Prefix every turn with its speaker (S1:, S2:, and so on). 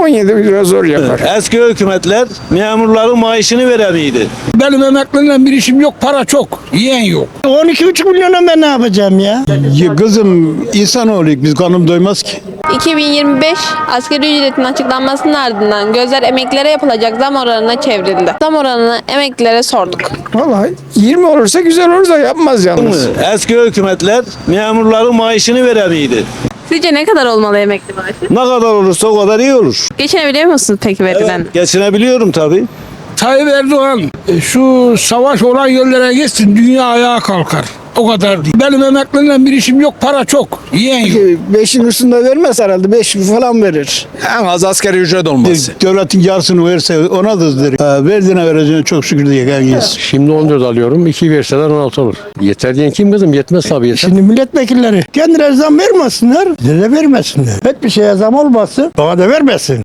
S1: 17 lira zor yapar.
S2: Eski hükümetler memurların maaşını veremiydi.
S3: Benim emeklilerle bir işim yok, para çok, yiyen yok.
S4: 12,5 milyona ben ne yapacağım ya?
S5: Kızım insanoğluyuz biz kanım doymaz ki.
S6: 2025 asgari ücretin açıklanmasının ardından gözler emeklilere yapılacak zam oranına çevrildi. Zam oranını emeklilere sorduk.
S1: Vallahi 20 olursa güzel olur da yapmaz yalnız.
S2: Eski hükümetler memurların maaşını veremiydi.
S6: Sizce ne kadar olmalı emekli maaşı?
S2: Ne kadar olursa o kadar iyi olur.
S6: Geçinebiliyor musunuz peki verilen?
S2: Geçinebiliyorum tabii.
S3: Tayyip Erdoğan şu savaş olan yerlere gitsin, dünya ayağa kalkar. O kadar değil. Benim emeklilerle bir işim yok, para çok, yiyen yok.
S1: 5'in üstünde vermez herhalde. 5 falan verir.
S7: En az asgari ücret olması.
S5: Devletin yarısını verse ona da verdiğine vereceğine çok şükür diye gelmeyiz.
S8: Şimdi 14 alıyorum. 2 verseler 16 olur. Yeter diyen kim kızım? Yetmez tabii yeter.
S4: Şimdi milletvekilleri kendileri zam vermesinler, bize de vermesinler. Hiçbir şeye zam olmasın, bana da vermesin.